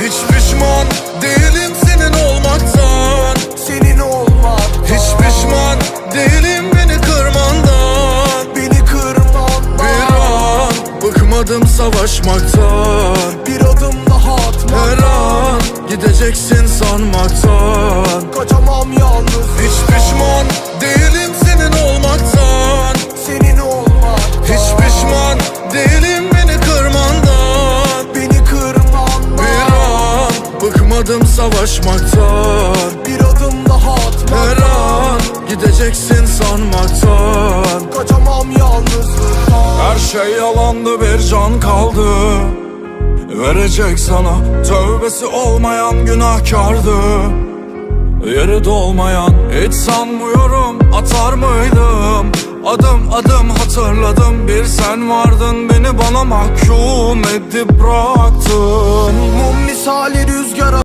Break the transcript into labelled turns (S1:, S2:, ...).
S1: Hiç pişman değilim senin olmaktan.
S2: Senin olmaktan.
S1: Hiç pişman değilim beni kırmandan.
S2: Beni kırmandan.
S1: Bir an bıkmadım savaşmaktan.
S2: Bir adım daha atmaktan.
S1: Her an gideceksin sanmaktan.
S2: Kaçamam yalnız.
S1: Hiç pişman değilim senin olmaktan.
S2: Senin olmaktan.
S1: Hiç pişman değilim beni kırmandan.
S2: Beni kırmandan.
S1: Bir an bıkmadım savaşmaktan.
S2: Bir adım daha atmaktan.
S1: Her an gideceksin sanmaktan.
S2: Kaçamam yalnızlıktan.
S1: Her şey yalandı, bir can kaldı verecek sana. Tövbesi olmayan günahkardı, yeri dolmayan. Hiç sanmıyorum atar mıydım. Adım adım hatırladım, bir sen vardın, beni bana mahkum edip bıraktın.
S2: Mum